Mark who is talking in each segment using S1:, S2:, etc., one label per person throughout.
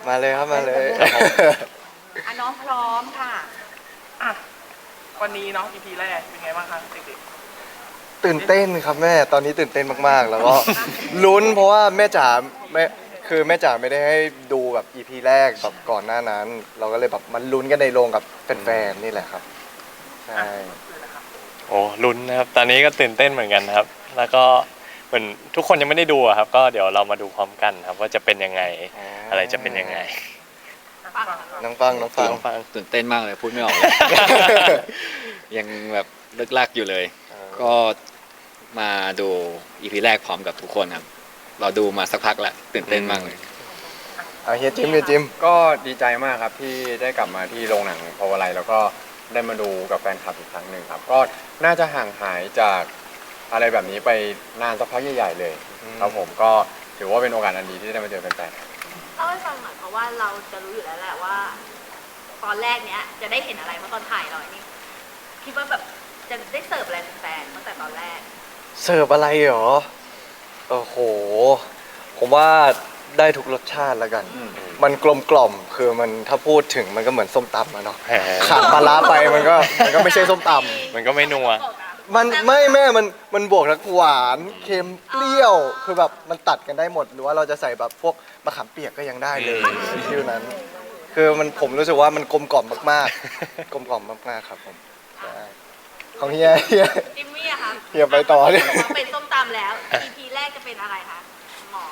S1: มาเลยครับมาเลย
S2: น้องพร้อมค่ะ
S3: วันนี้เนาะ EP แรกเป็นไงบ้างคะเด็ก
S1: ตื่นเต้นครับแม่ตอนนี้ตื่นเต้นมากๆแล้วก็ลุ้นเพราะว่าแม่จ๋าแม่จ๋าไม่ได้ให้ดูแบบ EP แรกแบบก่อนหน้านั้น เราก็เลยแบบมันลุ้นกันในโรงกับแฟนๆนี่แหละครับใช่
S4: โอ้ลุ้นนะครับตอนนี้ก็ตื่นเต้นเหมือนกันครับแล้วก็เหมือนทุกคนยังไม่ได้ดูอะครับก็เดี๋ยวเรามาดูพร้อมกันครับว่าจะเป็นยังไงอะไรจะเป็นยังไง
S1: น้องฟัง
S5: ตื่นเต้นมากเลยพูดไม่ออกเลย ยังแบบเลิกลักอยู่เลยก็มาดูอีพีแรกพร้อมกับทุกคนครับเราดูมาสักพักแล้วตื่นเต้นมากเลย
S1: เฮียจิม
S6: ก็ดีใจมากครับที่ได้กลับมาที่โรงหนังพาวไลแล้วก็ได้มาดูกับแฟนคลับอีกครั้งหนึ่งครับก็น่าจะห่างหายจากอะไรแบบนี้ไปนานสักพักใหญ่ๆเลยครับผมก็ถือว่าเป็นโอกาสอันดีที่ได้มาเจอแฟนๆ
S2: เล่าให้ฟังหน่อยเพราะว่าเราจะรู้อยู่แล้วแหละว่า ตอนแรกเนี้ยจะได้เห็นอะไรเพราะตอนถ่ายเรานี่คิดว่าแบบจะได้เสิร์ฟอะไรแฟนๆตั้งแต่ตอนแรก
S1: เสิร์ฟอะไรเหรอโอ้โหผมว่าได้ทุกรสชาติแล้วกันมันกลมกล่อมคือมันถ้าพูดถึงมันก็เหมือนส้มตำอะเนาะขาดปลาร้าไปมันก็ไม่ใช่ส้มตำ
S4: มันก็ไม่นัว
S1: มันไม่แม่มันบวกทั้งหวานเค็มเปรี้ยวคือแบบมันตัดกันได้หมดหรือว่าเราจะใส่แบบพวกมะขามเปียกก็ยังได้เลยฟิวนั้นคือผมรู้สึกว่ามันกลมกล่อมมากๆกลมกล่อมมากๆครับผมของเฮีย
S2: จิมมี่อะค่ะ
S1: เฮียไปต่อเนี่ย
S2: เป็นส้มตำแล้ว EP แรกจะเป็นอะไรคะหม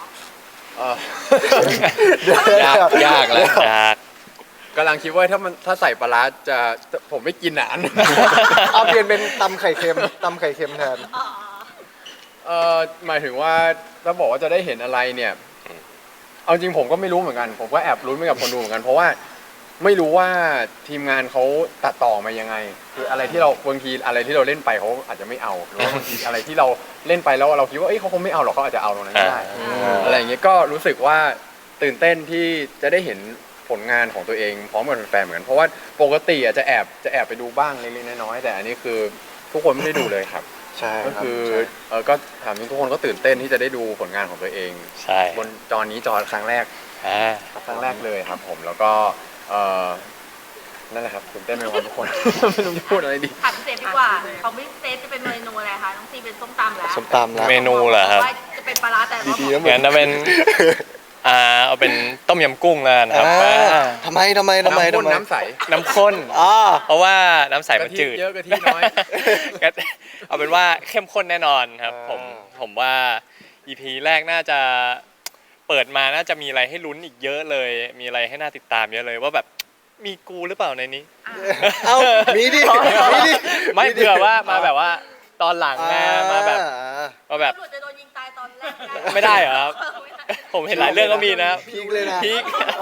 S5: อยากแล้ว
S6: กำลังคิดว่าถ้าใส่ปลาร้าจะผมไม่กินอ่ะ
S1: เอาเปลี่ยนเป็นตำไข่เค็มแทน
S6: หมายถึงว่าถ้าบอกว่าจะได้เห็นอะไรเนี่ยเอาจริงผมก็ไม่รู้เหมือนกันผมก็แอบลุ้นไปกับคนดูเหมือนกันเพราะว่าไม่รู้ว่าทีมงานเขาตัดต่อมายังไงคืออะไรที่เราบางทีอะไรที่เราเล่นไปเขาอาจจะไม่เอาหรือว่าบางทีอะไรที่เราเล่นไปแล้วเราคิดว่าเขาคงไม่เอาหรอกเขาอาจจะเอาตรงนั้นก็ได้อะไรอย่างเงี้ยก็รู้สึกว่าตื่นเต้นที่จะได้เห็นผลงานของตัวเองพร้อมกับแฟนๆเหมือนกันเพราะว่าปกติอาจจะแอบไปดูบ้างเล็กๆน้อยๆแต่อันนี้คือทุกคนไม่ได้ดูเลยครับ
S1: ใช่
S6: ก็คือก็ถามทุกคนก็ตื่นเต้นที่จะได้ดูผลงานของตัวเองบนจอนี้จอครั้งแรกเลยครับผมแล้วก็นั่นแหละครับตื่นเต้นไปหมดทุกคนไม่รู้จะพูดอะไรดี
S2: ถามเซฟดีกว่าเขาไม่เซฟจะเป็นเมนูอะไรคะน้องซีเป็นส้มตำแล้ว
S4: เมนูเหรอครับ
S2: จะเป็นปลาร้าแต่
S4: งั้นจะเป็นเอาเป็นต้มยำกุ้งแล้วนะครับ
S1: ทำไม
S6: น้ำใส
S4: น้ำข้นเพราะว่าน้ำใสมันจืด
S6: เยอะกะทิน้อย
S4: เอาเป็นว่าเข้มข้นแน่นอนครับผมว่า EP แรกน่าจะเปิดมาน่าจะมีอะไรให้ลุ้นอีกเยอะเลยมีอะไรให้น่าติดตามเยอะเลยว่าแบบมีกูหรือเปล่าในนี้
S1: มีดิ
S4: ไม่เผื่อว่ามาแบบว่าตอนหลังมาแบบ
S2: จะโดนยิงตายตอนแรก
S4: ไม่ได้เหรอครับผมเห็นหลายเรื่องก็มีนะ
S1: พีคเลยนะ
S4: พีค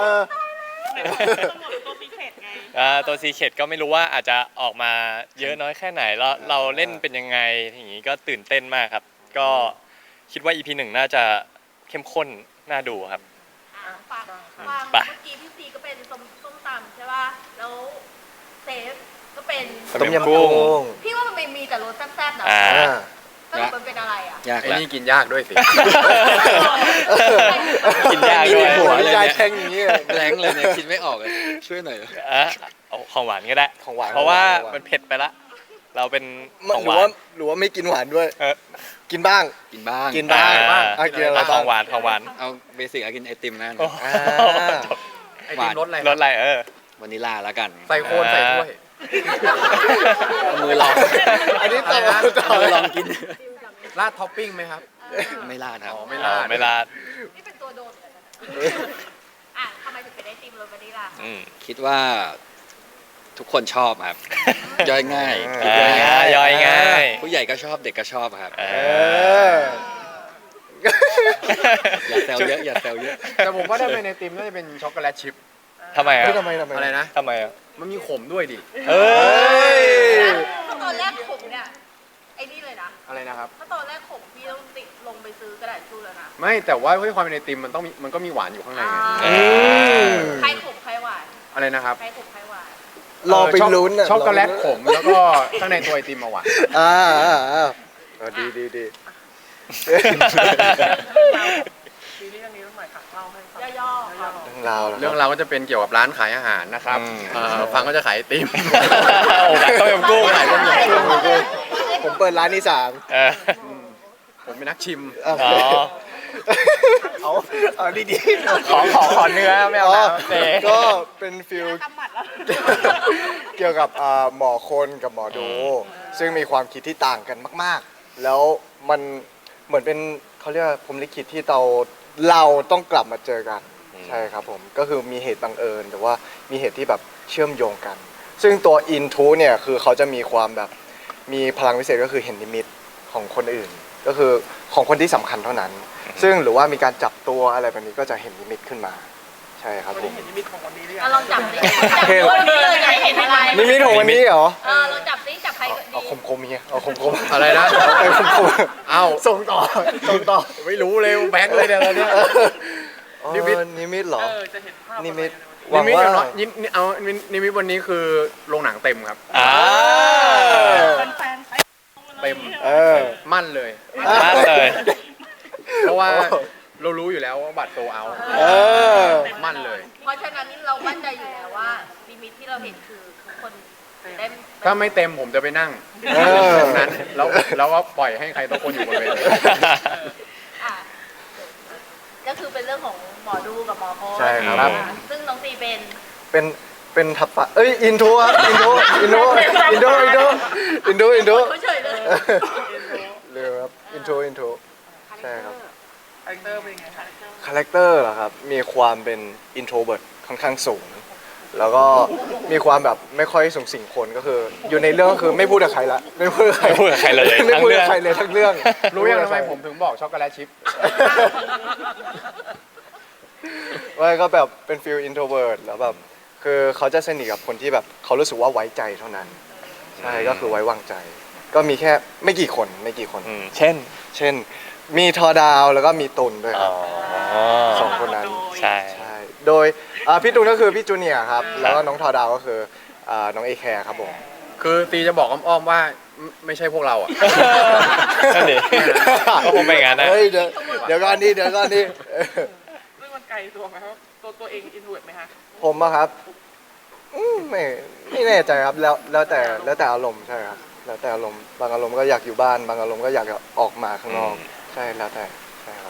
S4: ตัวซีเคทก็ไม่รู้ว่าอาจจะออกมาเยอะน้อยแค่ไหนแล้วเราเล่นเป็นยังไงอย่างนี้ก็ตื่นเต้นมากครับก็คิดว่า EP 1น่าจะเข้มข้นน่าดูครับ
S2: ฟังเมื่อกี้พี่ซีก็เป็นส้มตำใช่ป่ะแล้วเซฟก็เป็น
S1: ต้มยำกุ้ง
S2: พี่ว่ามันมีแต่รสแซ่บๆนะสรุปมันเป็นอะไรอ่ะ
S5: ยาก
S6: ไอ้นี่กินยากด้วยสิ
S4: กินยากด้วย
S1: หัวใจแข็งอย่างนี้
S5: แรงเลยเนี่ยคิดไม่ออกเลยช่วยหน่อย
S4: เอาของหวานก็ได้
S1: ของหวาน
S4: เพราะว่ามันเผ็ดไปละเราเป็นของหวาน
S1: หรือว่าไม่กินหวานด้วยกินบ้าง
S5: กิน
S4: ของหวาน
S5: เอาเบสิกกินไอติมนั่น
S6: ไอติมรสอะไร
S5: วานิลลาแล้วกัน
S6: ใส่โคนใส่ถ้วย
S5: มือลอง
S1: อันนี้ต่อ
S5: ลองกิน
S6: ราดท็อปปิ้งไหมครับ
S5: ไม่ราดครับ
S4: ไม่ราด
S2: นี่เป็นตัวโดนทำไมถึงเป็นไอติมรสวานิลลา
S5: คิดว่าทุกคนชอบครับย่อยง่ายผู้ใหญ่ก็ชอบเด็กก็ชอบครับอย่าแซวเยอะ
S6: แต่ผมว่าถ้าเป็นไอติมน่าจะเป็นช็อกโกแลตชิพ
S4: ทำไม
S6: อะไรนะ
S4: ทำไม
S6: มันมีขมด้วยดิ
S2: ตอนแรกขมเนี่ยไอ้นี่เลยนะ
S6: อะไรนะครับ
S2: ถ้าตอนแรกขมพี่ต้องติดลงไปซื้อกระดาษชูแล้วนะ
S6: ไม่แต่ว่าด้วยความเป็นไอติมมันก็มีหวานอยู่ข้างใน
S2: ใครขมใครหวาน
S6: อะไรนะครับ
S2: ใครขมใครหวาน
S1: รอไปลุ้น
S6: ช็อกโกแลตขมแล้วก็ข้างในตัวไอติมมาหวาน
S1: ดี
S3: ซีรีส์เรื่องนี้ต้องหน่อยค่ะเล่าให้ฟัง
S2: ย่อๆครับ
S1: เรื่องราวเหรอ
S6: เรื่องเราวก็จะเป็นเกี่ยวกับร้านขายอาหารนะครับฟังก็จะขายไอติม
S4: โอ้แบบต้มยำกุ้ง
S6: ขายต้มยำกุ้ง
S1: ผมเปิดร้านที่สาม
S4: เออ
S6: ผมเป็นนักชิม
S1: อ๋อ
S4: อ๋อ
S1: เอาดี
S4: ขอเนื้อไม่เอาน้ำเตะ
S1: ก็เป็นฟิล
S2: กำหมัดแล้ว
S1: เกี่ยวกับหมอคนกับหมอดู ซึ่งมีความคิดที่ต่างกันมาก ๆ แล้วมันเหมือนเป็นเขาเรียกว่าพรหมลิขิตที่เราต้องกลับมาเจอกัน ใช่ครับผมก็คือมีเหตุบังเอิญแต่ว่ามีเหตุที่แบบเชื่อมโยงกัน ซึ่งตัวอินทูเนี่ยคือเขาจะมีความแบบมีพลังพิเศษก็คือเห็นนิมิตของคนอื่น ก็คือของคนที่สำคัญเท่านั้น ซึ่งหรือว่ามีการจับตัวอะไรแบบนี้ก็จะเห็นนิมิตขึ้นมา ใช่ครับ
S3: วัน
S1: ผ
S3: นี้
S1: ม
S3: เห็นนิมิตของวันนี้หรือยั
S2: อ่ะ
S3: ง
S2: ลองจับสิจับดูวันนี้เลยอยากเห็นอะไร
S1: นิมิตของวันนี้เหรอ
S2: ลองจับสิจับใครก็ดี
S1: เอาคมๆเงี้ยเอาคมๆ
S6: อะไรนะ
S1: เอาคม
S6: เอ้า
S1: ๆส่งต่อ
S6: ไม่รู้เลยแบงค์เลยเนี่ยตอนเนี้ย นิมิต
S1: นิมิตเหรอ
S3: จะเห็นภาพ
S1: นิมิต
S6: นิมิตอย่างน้อย
S1: หวังว่า
S6: นิมิตวันนี้คือโรงหนังเต็มครับ
S4: อ่า
S3: แฟนๆไป
S6: เต็ม
S1: เออ
S6: มั่นเลย
S4: มากเลย
S6: เพราะว่าเรารู้อยู่แล้วว่าบัตรโซเอา
S1: เออ
S6: มั่นเลย
S2: เพราะฉะนั้นเรามั่นใจอยู่แล้วว่าลิมิตที่เราเห็นคือทุกคนเต็ม
S6: ถ้าไม่เต็มผมจะไปนั่ง
S1: เออ
S6: ตรงนั้นแล้วก็ปล่อยให้ใครตัวคนอยู่บนเวที
S2: อ่ะก็คือเป็นเรื่องของหมอดูกับหมอโค้ช
S1: ใช่ครับ
S2: ซึ่งน้องตีเป็น
S1: เป็นทับปะเอ้ยอินโทรครับอินโทร
S2: เขาเฉยเลย
S1: เร็วครับอินโทรใช่ครับ
S3: คาแรคเตอร์เป็นยังไงคะ
S1: คาแรคเตอร์เหรอครับมีความเป็นอินโทรเวิร์ดค่อนข้างสูง แล้วก็มีความแบบไม่ค่อยสูงสิงคนก็คือ อยู่ในเรื่องก็คือไม่พูดกับใครละไม่พูดกับใคร
S4: ไม่พูดกับใครเลย
S1: ไม่พูด
S4: ทั้งเรื่
S1: กั
S4: อบ ง
S1: ใครเลยทั้งเรื่อง
S6: รู้ยังทำไมผมถึงบอกช็อกโกแลตชิพ
S1: ว่าก็แบบเป็นฟิลอินโทรเวิร์ดแล้วแบบคือเขาจะสนิทกับคนที่แบบเขารู้สึกว่าไว้ใจเท่านั้น ใช่ก็คือไว้วางใจ ก็มีแค่ไม่กี่คน
S4: อืมเช่น
S1: เช่น มีทอดาวแล้วก็มีตุนด้วยค
S4: อ๋
S1: รั
S4: อบ
S1: สองคนนั้น
S4: ใช่
S1: ใช่โดยพี่ตุนก็คือพี่จูเนียร์ครับแล้วก็น้องทอดาวก็คือน้องเอแคร์ครับผม
S6: คือตีจะบอกอ้อมๆว่าไม่ใช่พวกเราอ่ะ
S4: นั่นดิก็คงเป็นอย่างนั้นนะ
S1: เฮ้ยเดี๋ยวก่อนดิเดี๋ยวก่อนดิ
S3: ซึ่งมันไกลตัวไหมครับตัวเองอินโทรเวิร์ตไหมคะ
S1: ผมอะครับไม่แน่ใจครับแล้วแต่อารมณ์ใช่ครับแล้วแต่อารมณ์บางอารมณ์ก็อยากอยู่บ้านบางอารมณ์ก็อยากออกมาข้างนอกใช่แล้วแต่ใช่ครับ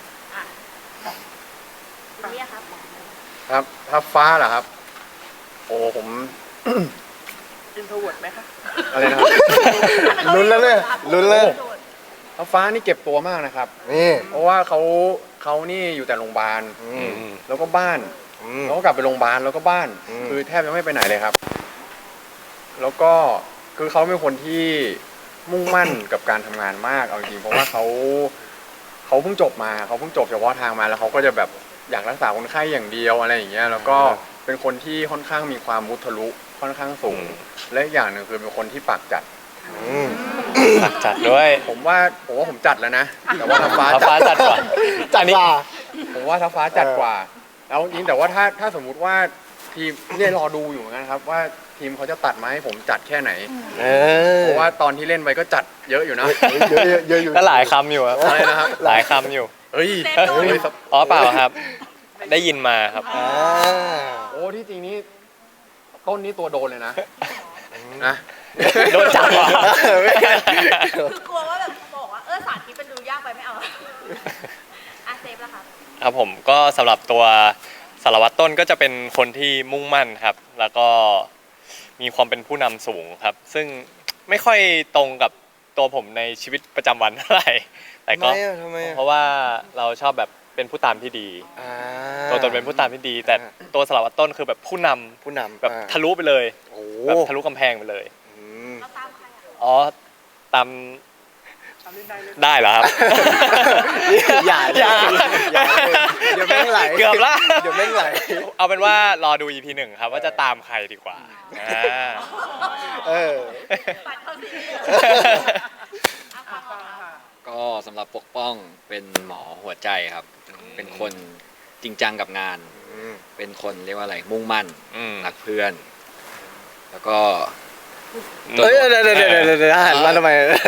S2: นี่ครับ
S6: ครับถ้าฟ้าเหรอครับ โอ้ผม
S3: อินโทรเวิร์ตไหมคะ
S6: อะไรนะครับ
S1: ลุ้นแล้วเนี่ยลุ้นแล้ว
S6: ถ้าฟ้านี่เก็บตัวมากนะครับ
S1: นี่
S6: เพราะว่าเขานี่อยู่แต่โรงพยาบาล
S1: อืม
S6: แล้วก็บ้าน
S1: อืม
S6: แล้วก็กลับไปโรงพยาบาลแล้วก็บ้าน
S1: อืม
S6: คือแทบจะไม่ไปไหนเลยครับ แล้วก็คือเขาเป็นคนที่มุ่งมั่นกับการทำงานมากเอาจริงๆเพราะว่าเขาเพิ่งจบมาเขาเพิ่งจบเฉพาะทางมาแล้วเขาก็จะแบบอยากรักษาคนไข้อย่างเดียวอะไรอย่างเงี้ยแล้วก็เป็นคนที่ค่อนข้างมีความมุทะลุค่อนข้างสูง และอีกอย่างหนึ่งคือเป็นคนที่ปากจัด
S1: อืม
S4: ฝากจัดด้วย
S6: ผมว่าผมจัดแล้วนะ แต่ว่าท้าฟ้า
S4: ท้าฟ้าจัดกว่า
S1: จัดว่า
S6: ผมว่าท้าฟ้าจัดกว่าแล้วจริงแต่ว่าถ้าสมมุติว่าทีมเนี่ยรอดูอยู่เหมือนกันครับว่าทีมเขาจะตัดมาให้ผมจัดแค่ไหน เพราะว่าตอนที่เล่นไปก็จัดเยอะอยู่นะ
S1: เยอะอยู่
S4: ก็หลายคำอยู่ครับ
S6: อะไรนะครับ
S4: หลายคำอยู่
S6: เฮ้ย
S4: อ๋อเปล่าครับ ได้ยินมาครับ
S1: อ่า
S6: โอ้ที่จริงนี่ต้นนี้ตัวโดนเลยนะนะ
S4: โดนจับเหรอ
S2: คือกลัวว่าแบบบอกว่าสาธิตเป็นดูยากไปไม่เอาเซฟแล้วครับ
S4: ครับผมก็สำหรับตัวสารวัตรต้นก็จะเป็นคนที่มุ่งมั่นครับ แล้วก็มีความเป็นผู้นำสูงครับ ซึ่งไม่ค่อยตรงกับตัวผมในชีวิตประจำวันเท่าไหร่แต่ก็
S1: ทำไมอะ
S4: เพราะว่าเราชอบแบบเป็นผู้ตามที่ดี
S1: อ่า
S4: ตัวตนเป็นผู้ตามที่ดี แต่ตัวสารวัตรต้นคือแบบผู้นำ
S1: ผู้นำ
S4: แบบ
S1: อ่า
S4: ทะลุไปเลย
S1: โอ้
S4: แบบทะลุกำแพงไปเลย
S1: อืม
S2: เราตามใครอ่ะ
S4: อ๋อตาม
S3: ทำเล่นได้เลย
S4: ได้เหรอครับ
S1: อย่าเดี๋ยวแม่งไหล
S4: เกือบละ
S1: เดี๋ยวแม่งไหล
S4: เอาเป็นว่ารอดู EP 1ครับว่าจะตามใครดีกว่าอ่า
S1: เออ
S2: ปัดเข้าซีรีส์ฟัง
S3: ฟัง
S2: ค่ะ
S3: ค่ะ
S5: ก็สำหรับปกป้องเป็นหมอหัวใจครับ เป็นคนจริงจังกับงาน เป็นคนเรียกว่าอะไรมุ่งมั่น
S4: อืม
S5: รักเพื่อน แล้วก็
S1: เฮ้ยเดี๋ยวหันมาทำไม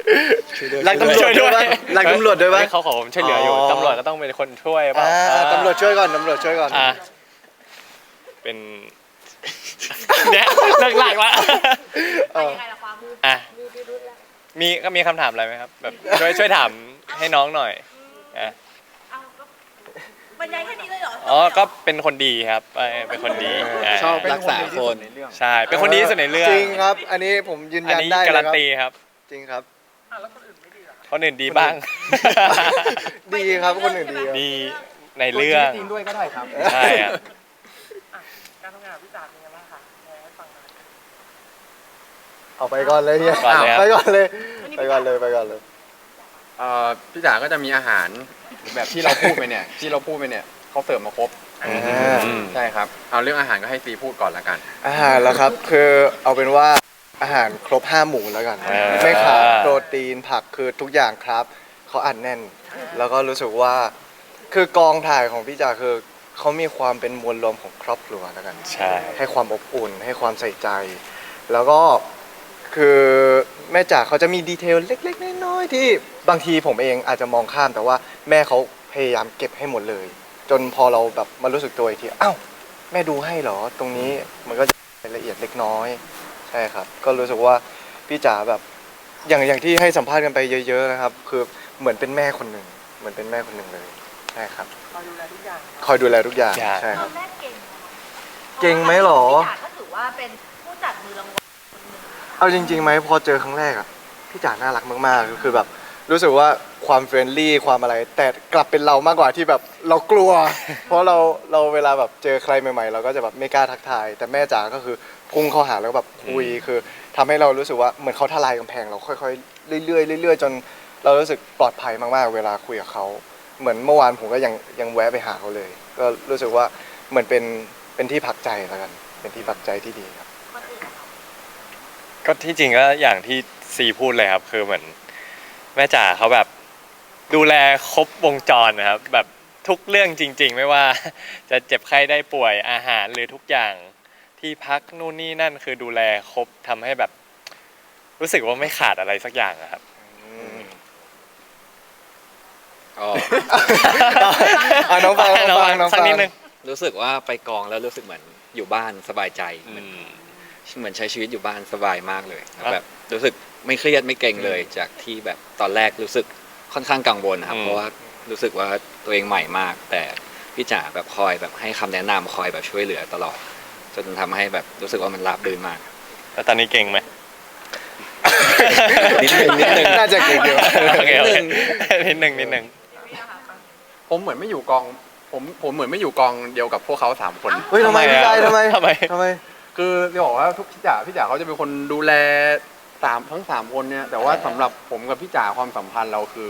S1: รักตำรวจด้วยปะรักตำรวจด้วยปะ
S4: เขาขอผมช่วยเหลืออยู่
S1: อ๋อ
S4: ตำรวจก็ต้องเป็นคนช่วยเปล่า
S1: ตำรวจช่วยก่อนตำรวจช่วยก่อน
S4: อ่ะเป็น เนี่ยหลักๆละ
S2: ไปยังไงล่ะความ
S4: อ่ะมีคำถามอะไรไหมครับ แบบช่วยถามให้น้องหน่อยอ่ะ
S2: เอาก็บรรยายแค่นี้เลยเหรอ
S4: อ๋อก็เป็นคนดีครับเป็นคนดีอ่ะ
S5: ชอบรักษาคน
S4: ใช่เป็นคนดีที่สุดในเรื่อง
S1: จริงครับ อันนี้ผมยืน
S4: อัน
S1: ยัน
S4: นี้
S1: ได้เลย
S4: การัน
S1: ครับ
S4: ตีครับ
S1: จริงครับ
S3: อ่ะแล้วคนอื่นไม่ดีเหรอ
S4: คนอื่นดีบ้าง
S1: ดีครับคนอื่นดีครับ
S4: ดีในเรื่อง
S6: จริงด้วยก็ได้ครับ
S4: ใช่ครับ
S3: อ่ะการทำงานกับพี่จ๋าเป็นยังไงบ้างคะแชร์ให้ฟังหน่อย
S1: เอาไปก่อนเลยเนี่ย
S4: ก่อนเลยครับ
S1: ไปก่อนเลยไปก่อนเลยไปก่อนเลย
S6: พี่จ๋าก็จะมีอาหารแบบที่เราพูดไปเนี่ย ที่เราพูดไปเนี่ยเขาเสิร์ฟมาครบ
S4: อืม
S6: ใช่ครับเอาเรื่องอาหารก็ให้ซีพูดก่อนละกัน
S1: อาหารแล้วครับคือเอาเป็นว่าอาหารครบ5 หมู่แล้วกัน ไม่ขาดโปรตีนผักคือทุกอย่างครับเขาอัดแน่น แล้วก็รู้สึกว่าคือกองถ่ายของพี่จ๋าคือเขามีความเป็นมวลรวมของครอบครัวแล้วกัน
S4: ใช่
S1: ให้ความอบอุ่นให้ความใส่ใจ แล้วก็คือแม่จ๋าเขาจะมีดีเทลเล็กๆน้อยๆที่บางทีผมเองอาจจะมองข้ามแต่ว่าแม่เขาพยายามเก็บให้หมดเลย จนพอเราแบบมารู้สึกตัวอีกทีอ้าวแม่ดูให้เหรอตรงนี้มันก็จะรายละเอียดเล็กน้อยใช่ครับ ก็รู้สึกว่าพี่จ๋าแบบอย่างที่ให้สัมภาษณ์กันไปเยอะๆนะครับ คือเหมือนเป็นแม่คนหนึ่งเหมือนเป็นแม่คนหนึ่งเลยใช่ครับ
S3: คอยดูแลทุกอย่าง
S1: คอยดูแลทุกอย่างใช่
S2: ต
S1: ค
S2: อ
S1: รับ
S2: นแรกเก่งนะคะ
S1: เก่งไหมหรอ
S2: พี่จ๋าก็ถือว่าเป็นผู้จัดมือรางวัลคนหนึ่ง
S1: เอาจริงๆไหมพอเจอครั้งแรกอ่ะพี่จ๋าน่ารักมากๆคือแบบรู้สึกว่าความเฟรนลี่ความอะไร แต่กลับเป็นเรามากกว่าที่แบบเรากลัว เพราะเราเวลาแบบเจอใครใหม่ๆ เราก็จะแบบไม่กล้าทักทาย แต่แม่จ๋าก็คือพุ่งเข้าหาแล้วแบบคุยคือทำให้เรารู้สึกว่าเหมือนเขาทลายกำแพงเราค่อยๆเรื่อยๆเรื่อยๆจนเรารู้สึกปลอดภัยมากๆ เวลาคุยกับเขาเหมือนเมื่อวานผมก็ยังแวะไปหาเขาเลย ก็รู้สึกว่าเหมือนเป็นที่พักใจแล้วกัน เป็นที่พักใจที่ดีครับ
S2: คนอื่นอะ
S4: ก็ที่จริงก็อย่างที่ซีพูดเลยครับ คือเหมือนแม่จ๋าเขาแบบดูแลครบวงจรนะครับ แบบทุกเรื่องจริง ๆ ไม่ว่า จะเจ็บไข้ได้ป่วยอาหารหรือทุกอย่างที่พักนู่นนี่นั่นคือดูแลครบทำให้แบบ รู้สึกว่าไม่ขาดอะไรสักอย่างอะครับ
S5: ก็
S1: น้องฟังน้องฟังน้อง
S4: สัก
S1: ฟัง
S4: นิดนึง
S5: รู้สึกว่าไปกองแล้วรู้สึกเหมือนอยู่บ้านสบายใจเหมือนใช้ชีวิตอยู่บ้านสบายมากเลยแล้วแบบรู้สึกไม่เครียดไม่เกรงเลยจากที่แบบตอนแรกรู้สึกค่อนข้างกังวลนะครับ
S4: อืม
S5: เพราะว่ารู้สึกว่าตัวเองใหม่มาก แต่พี่จ๋าแบบคอยแบบให้คำแนะนำคอยแบบช่วยเหลือตลอดจนทำให้แบบรู้สึกว่ามันราบรื่นมาก
S4: แล้วตอนนี้เก่งไหม
S5: นิดนึง
S1: น่าจะเก่งอยู่
S4: โอเคโอเคนิดนึง
S6: ผมเหมือนไม่อยู่กองผมเหมือนไม่อยู่กองเดียวกับพวกเขา3 คน
S1: เฮ้ยทำไมพี่ชายทำไม
S4: ทำไม
S1: ทำไม
S6: คือจะบอกว่าทุกพี่จ๋าเขาจะเป็นคนดูแลทั้ง3 คนเนี่ยแต่ว่าสำหรับผมกับพี่จ๋าความสัมพันธ์เราคือ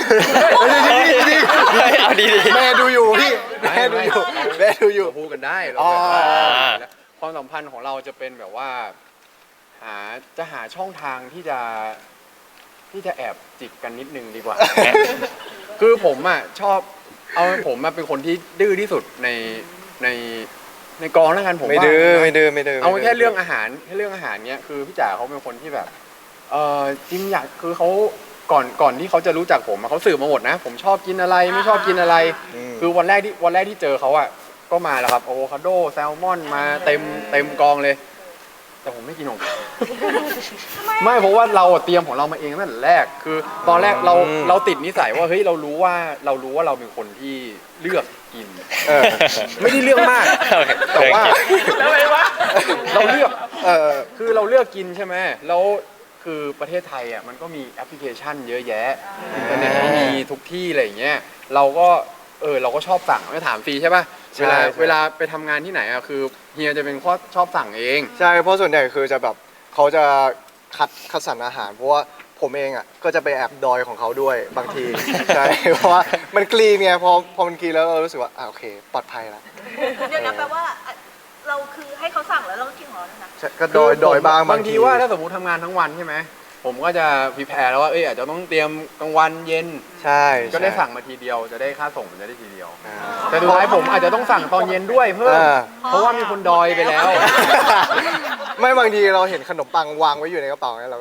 S4: เอาดี
S1: แม่ดูอยู่พี่แม่ดูอยู่แม่ดูอยู่
S6: เราพูดกันได้เรา
S1: อ๋อ
S6: ความสัมพันธ์ของเราจะเป็นแบบว่าหาช่องทางที่จะแอบจิกกันนิดนึงดีกว่า คือผมชอบผมเป็นคนที่ดื้อที่สุดในกองแล้วกันผม
S1: ไม่
S6: ว่า
S1: ดื้อ
S6: นะ
S1: ไม่ดื้อไม่ดื้อ
S6: เอาแค่เรื่องอาหารเนี้ยคือพี่จ๋าเขาเป็นคนที่แบบจริงอยากคือเขาก่อนที่เขาจะรู้จักผมเขาสืบมาหมดนะ ผมชอบกินอะไรไม่ชอบกินอะไร คือวันแรกที่เจอเขาก็มาแล้วครับอะโวคาโดแซลมอนมาเต็มกองเลย แต่ผมไม่กินของเขาไม่เพราะว่าเราเตรียมของเรามาเองตั้งแต่แรกคือตอนแรกเราติดนิสัยว่าเฮ้ยเรารู้ว่าเราเป็นคนที่เลือกกิน ไม่ได้เลือกมาก
S4: โอเค
S6: แต่ว่า
S3: แล้วไงวะ
S6: เราเลือกคือเราเลือกกินใช่ไหมแล้วคือประเทศไทยมันก็มีแอปพลิเคชันเยอะแยะอินเทอร์เน็ตก็มีทุกที่อะไรอย่างเงี้ยเราก็ชอบสั่งไม่ถามฟรีใช่ป่ะเวลาไปทำงานที่ไหนคือเฮียจะเป็นข้อชอบสั่งเอง
S1: ใช่เพราะส่วนใหญ่คือจะแบบเขาจะคัดสรรอาหารเพราะว่าผมเองก็จะไปแอบดอยของเขาด้วยบางที ใช่เพราะว่ามันกรีนไงพอมันกรีนแล้วเรารู้สึกว่าโอเคปลอดภัยแล้ว
S2: เดี๋ยวนะแปลว่าเราคือให้เขาสั่งแล้วเราก็กินของเราด้วยนะ
S1: ใช่ก็ดอยบ้าง
S6: บางทีว่าถ้าสมมติทำงานทั้งวันใช่ไหมผมก็จะพรีแพร์แล้วว่าอาจจะต้องเตรียมกลางวันเย็น
S1: ใช่
S6: ก็ได้สั่งมาทีเดียวจะได้ค่าส่งมันจะได้ทีเดียว แต่สุดท้ายผมอาจจะต้องสั่งตอนเย็นด้วยเพิ่มเพราะว่ามีคนดอยไปแล้ว
S1: ไม่บางทีเราเห็นขนมปังวางไว้อยู่ในกระเป๋าเนี่ยเราก็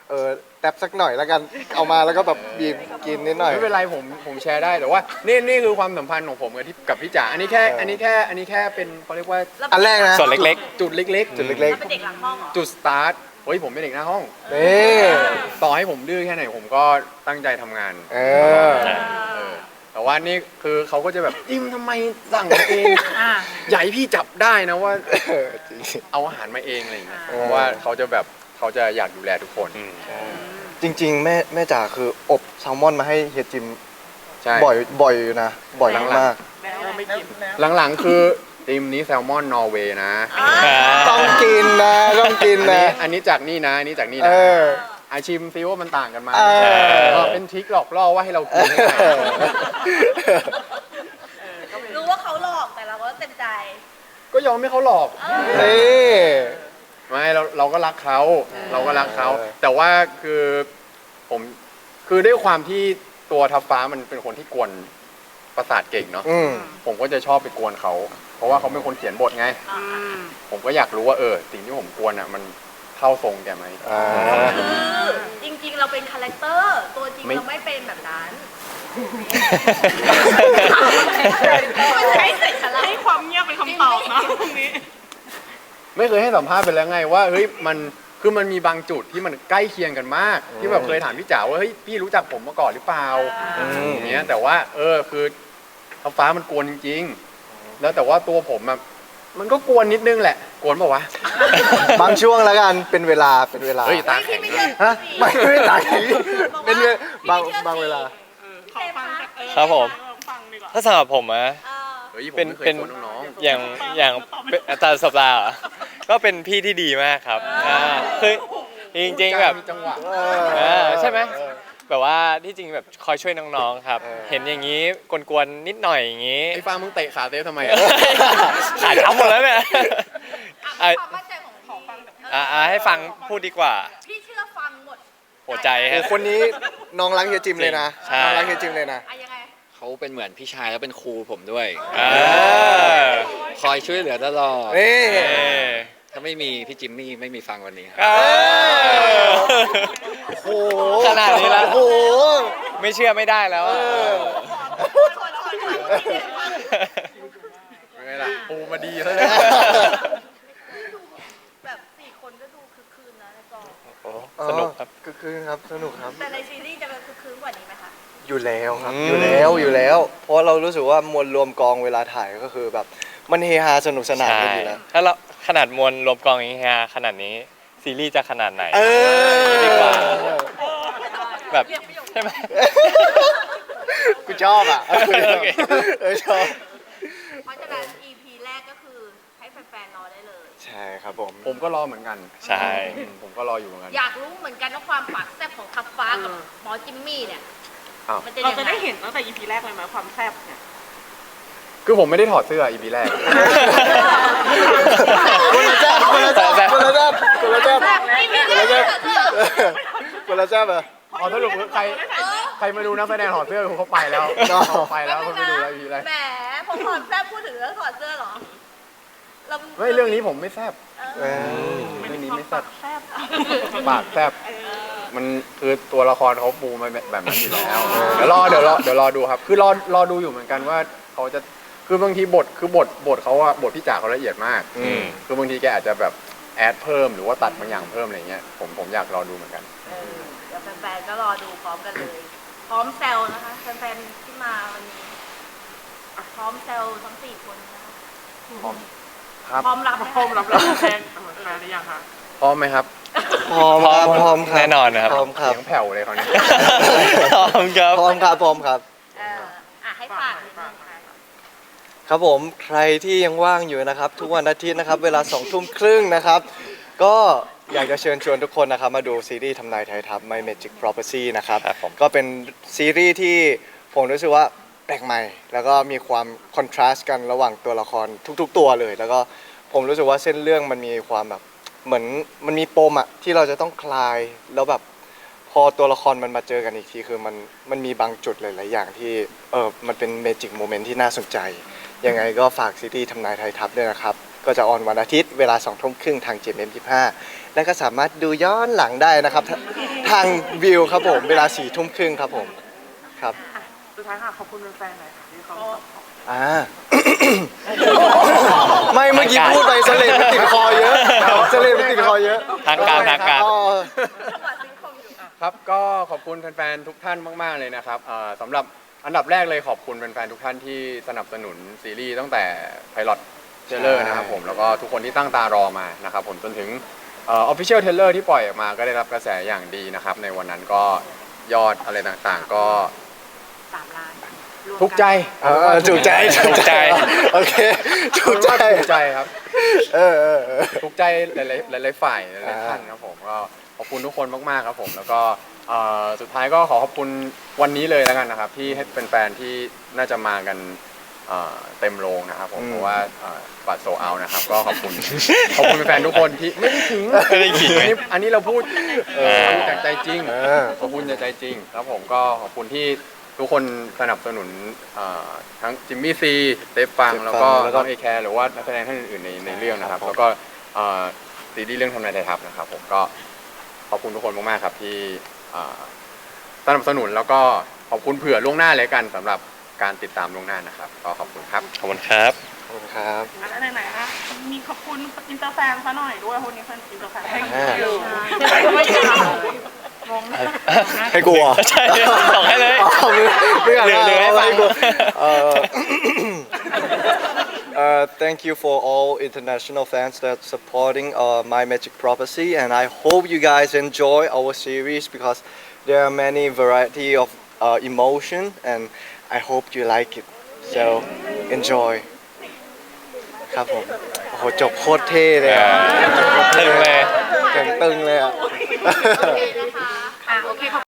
S1: แตบสักหน่อยแล้วกันเอามาแล้วก็แบบบีบกินนิดหน่อย
S6: ไม่เป็นไรผมแชร์ได้แต่ว่านี่คือความสัมพันธ์ของผมกับพี่จ๋าอันนี้แค่เป็นเขาเรียกว่า
S1: อันแรกนะ
S4: ส่วนเล็ก
S6: จุดเล็กๆ
S1: จุดเล็ก
S2: เราเป็นเด็กหลังห้องเหรอ
S6: จุดสตาร์ทเฮ้ยผมเป็นเด็กหน้าห้อง
S1: นี่
S6: ต่อให้ผมดื้อแค่ไหนผมก็ตั้งใจทำงาน
S1: เออ
S6: เออแต่ว่านี่คือเขาก็จะแบบจิมทำไมสั่งมาเองอย่าให้พี่จับได้นะว่า
S1: จริง
S6: เอาอาหารมาเองอะไรอย่างเงี้ย
S1: เออ
S6: เพราะว่าเขาจะอยากดูแลทุกคน
S1: จริงๆแม่จ๋าคืออบแซลมอนมาให้เฮียจิม
S6: ใช่
S1: บ่อยอยู่นะบ่อยมาก
S3: แล้วไม่กิน
S6: หลังๆคือทีมนี้แซลมอนนอร์เวย์นะ
S1: ๆต้องกินนะต้องกินนะ
S6: อันนี้จากนี่นะอันนี้จากนี่
S1: เอ
S6: นะ
S1: อ
S6: อาชิมซิว่ามันต่างกันไหม
S1: เออ
S6: ก็เป็นทริคหลอกล่อว่าให้เรากินให้ได้
S2: รู้ว่าเขาหลอกแต่เราก็เต็มใจ
S6: ก็ยอมให้เขาหลอก
S1: นี่
S6: ไม่เราก็รักเขาเราก็รักเขา
S1: เออ
S6: แต่ว่าคือผมคือด้วยความที่ตัวทัพฟ้ามันเป็นคนที่กวนประสาทเก่งเนาะ
S1: อืม
S6: ผมก็จะชอบไปกวนเขา เพราะว่าเขาเป็นคนเขียนบทไง ผมก็อยากรู้ว่าสิ่งที่ผมกวนอ่ะมันเข้าทรงแกไหม
S1: อ่า
S2: คือจริงๆเราเป็นคาแรคเตอร์ตัวจริง
S6: ไม่
S2: เราไม่เป็นแบบนั้นไม่ใช่เสร็จแล้ว
S3: ให้ความเงียบเป็นคำตอบนะตรงนี้
S6: ไม่เคยให้สัมภาษณ์ไปแล้วไงว่าเฮ้ยมันมีบางจุดที่มันใกล้เคียงกันมาก ที่แบบเคยถามพี่จ๋าว่าเฮ้ยพี่รู้จักผมมาก่อนหรือเปล่าอย่างเงี้ยแต่ว่าคือท้าฟ้ามันกวนจริงๆแล้วแต่ว่าตัวผมอะมันก็กวนนิดนึงแหละกวนเปล่าวะ
S1: บางช่วงแล้วกันเป็นเวลา
S6: เฮ้ยตาแข็ง
S2: ไม่
S6: เลย
S1: ฮะไม่ตายเป็นบางเวลา
S3: ขอฟังจาก
S4: ครับผม
S3: ฟังดีกว่า
S4: ถ้าสำหรับผมอะ
S6: เฮ้ยผม
S4: เป็น
S6: ไม่เคย
S4: เป็น
S6: กวนน้อง
S4: อย่างเป็นอาจารย์สัปดาห์เหรอก็เป็นพี่ที่ดีมากครับคือจ
S6: ๆ
S4: ริงๆแบบ
S6: มีจังหวะ
S4: ใช่ไหมแบบว่าที่จริงแบบคอยช่วยน้องๆครับ เห็นอย่างนี้กวนๆนิดหน่อยอย่างนี้
S6: ไอ้ฟ้ามึงเตะขาเต้ทำไม
S4: ขาดช้ำหมดแล้วเนี่ย
S2: ความมั่นใจของพี่
S4: ให้ฟังพูดดีกว่า
S2: พี่เชื่อฟังหมด
S4: หัวใจ
S1: โอ้
S4: ฮะ
S1: คนนี้น้องรักเฮียจิมเลยนะ
S4: ใช่
S1: น้องรักเฮียจิมเลยนะ
S2: อะยังไง
S5: เขาเป็นเหมือนพี่ชายแล้วเป็นครูผมด้วย
S4: อ่า
S5: คอยช่วยเหลือตลอด
S1: นี่
S5: ถ้าไม่มีพี่จิมมี่ไม่มีฟังวันนี้ครับ
S1: โอ้โห
S4: ขนาดนี้แล้ว
S1: โอ้โห
S4: ไม่เชื่อไม่ได้แล้วอะ
S6: ไม่ไงล่ะปูมาดีซะแล้ว
S2: แบบ4 คนก็ดูคึกคืนนะในกอง
S4: สนุกครับ
S1: คือครับสนุกครับ
S2: แต่ในซีรีส์จะเป็นคึกคืนกว่านี้ไหมคะ
S1: อยู่แล้วครับ
S4: อืม
S1: อยู่แล้ว เพราะเรารู้สึกว่ามวลรวมกองเวลาถ่ายก็คือแบบมันเฮฮาสนุกสนาน
S4: ใช่
S1: กันอยู่แล้ว
S4: ถ้าเราขนาดมวลรวมกองอย่างนี้ฮะขนาดนี้ซีรีส์จะขนาดไหน
S1: เออ
S4: ดีกว่า แบบใช่ไหม
S1: กูชอบอ่ะ
S4: โอเค
S1: ชอบ
S2: เพราะฉะนั้น EP แรกก็คือให้แฟนๆรอได้เลย
S1: ใช่ครับผม
S6: ผมก็รอเหมือนกัน
S4: ใช่
S6: ผมก็รออยู่เหมือนกัน
S2: อยากรู้เหมือนกันว่าความปากแซ่บของทัพฟ้ากับหมอจิมมี่เนี่ย
S6: อ้าว
S2: มันจะ
S3: เรา
S2: ยัง
S3: จะ
S2: ไง
S3: ได้เห็นตั้งแต่ EP แรกเลยไหมความแซ่บเนี่ย
S6: คือผมไม่ได้ถอดเสื้อ EP แรก
S1: คนละแจ๊บคนละแจ๊บคนละแจ๊บคนละแจ๊บ
S2: EP
S1: คน
S2: แร
S1: ละ
S2: ก
S1: แจ๊บ
S2: เนี่ย
S1: คนละแจ๊บเหรอ
S6: อ๋อสรุปคือใครมาดูนักแสดงถอดเสื้อเขาไปแล้ว
S1: อ๋อ
S6: เขาไปแล้วเขาไม่ดูแล้ว EP แรก
S2: แหมผมถอดแซ่บพูดถึงเรื่องถอดเสื้อเหรอเรา
S6: ไม่เรื่องนี้ผมไม่แซบ
S1: เออ
S6: เรื่องนี้ไม่แซ่บ
S3: แซ่บ
S6: ปากแซบมันคือตัวละครเขาปูมาแบบนั้นอยู่แล้วเดี๋ยวรอดูครับ คือรอดูอยู่เหมือนกันว่าเขาจะคือบางทีบทเขาอะบทพี่จ๋าเขาละเอียดมาก
S4: อืม
S6: คือบางทีแกอาจจะแบบแอดเพิ่มหรือว่าตัดบางอย่างเพิ่มอะไรเงี้ยผมอยากรอดูเหมือนกัน
S2: เดี๋ยวแฟนๆก็รอดูพร้อมกันเลย พร้อมแซลนะคะแฟนๆที่มาวันนี้พร้อมแซลทั้ง4 คนนะคะ
S6: ครับ
S2: พร้อมรับไหม
S3: พร้อมรับแล้วแฟนหรือยังคะ
S6: พร้อมไหมครับ
S1: พร้อมครับพร้อมครับ
S4: แน่นอนนะครับ
S1: พร้อมครับ
S6: เสียงแผ่วเลยเขาวนี้
S4: พร้อมครับ
S1: พร้อมครับพร้อมครับ
S2: ให้ฝากนิดนึงค่ะ
S1: ครับผมใครที่ยังว่างอยู่นะครับ ทุกวันอาทิตย์นะครับ เวลา20:30นะครับ ก็อยากจะเชิญชวนทุกคนนะครับ มาดูซีรีส์ทำนายไทยทัพ My Magic Prophecy นะครับ
S4: ครับผม
S1: ก็เป็นซีรีส์ที่ผมรู้สึกว่าแปลกใหม่ แล้วก็มีความคอนทราสต์กันระหว่างตัวละครทุกๆตัวเลย แล้วก็ผมรู้สึกว่าเส้นเรื่องมันมีความแบบเหมือนมันมีปมอะที่เราจะต้องคลายแล้วแบบพอตัวละครมันมาเจอกันอีกทีคือมันมีบางจุดหลายๆอย่างที่มันเป็นเมจิกโมเมนต์ที่น่าสนใจ ยังไงก็ฝากซีรีส์ทำนายไทยทัพด้วยนะครับ ก็จะออนวันอาทิตย์เวลา20:30ทาง GMM25 และก็สามารถดูย้อนหลังได้นะครับทางวิวครับผมเวลา4 ทุ่มครึ่งครับผมครับ
S3: อ่ะสุดท้ายค่ะขอบคุณแฟนๆหน่อยค่ะที่เขา
S1: อ่า ไม่เมื่อกี้พูดไปเสลดมันติดคอเยอะเสลดมันติดคอเยอะ
S4: ทางการ
S1: อ๋อ
S6: ครับก็ขอบคุณแฟนๆทุกท่านมากๆเลยนะครับสำหรับอันดับแรกเลยขอบคุณแฟนๆทุกท่านที่สนับสนุนซีรีส์ตั้งแต่ไพลอตเทเลอร์นะครับผมแล้วก็ทุกคนที่ตั้งตารอมานะครับผมจนถึงofficial trailer ที่ปล่อยออกมาก็ได้รับกระแสอย่างดีนะครับในวันนั้นก็ยอดอะไรต่างๆก็
S2: 3 ล้านรวมกัน
S6: ทุกใจ
S1: ถูกใจถูกใจโอเคถูกใจ
S6: ถูกใจครับ
S1: เออ
S6: ทุกใจหลายๆฝ่ายหลายๆท่านครับผมก็ขอบคุณทุกคนมากๆครับผมแล้วก็สุดท้ายก็ขอขอบคุณวันนี้เลยแล้วกันนะครับที่ให้เป็นแฟนๆที่น่าจะมากันเต็มโรงนะครับผมเพราะว่าบัตรโซเอานะครับก็ขอบคุณแฟนๆทุกคนที่ไม่ได้ขิง
S4: ไม่ได้ขิง
S6: อันนี้เราพูดพูดจากใจจริง
S1: เออ
S6: ขอบคุณจากใจจริงแล้วผมก็ขอบคุณที่ทุกคนสนับสนุนทั้งจิมมี่ซีเตฟฟังแล้วก็น้องเอแคร์หรือว่านักแสดงท่านอื่นๆในเรื่องนะครับแล้วก็ซีรีส์เรื่องทำนายไทยทัพนะครับผมก็ขอบคุณทุกคนมากๆครับที่สนับสนุนแล้วก็ขอบคุณเผื่อล่วงหน้าเลยกันสำหรับการติดตามล่วงหน้านะครับก็ขอบคุณครับ
S4: ขอบคุณครับ
S1: ขอบคุณครับ
S3: อันไหนๆนะมีขอบคุณอินเตอร์แฟนซะหน่อยด้วยคนนี้เป็นอินเตอร์แฟน
S1: ให้กลัว
S4: ใช่บอกให้เลย
S1: ไม่อยาก
S4: เหลือให้ฟัง
S1: ให้กลัวthank you for all international fans that supporting my magic prophecy and I hope you guys enjoy our series because there are many variety of emotion and I hope you like it so enjoy ครับผมโอ้โหจบโคตรเท่เลยอ่ะ
S4: ตึงเลย
S1: ตึงเลยอ่ะ
S2: โอเคนะคะโอเคขอบ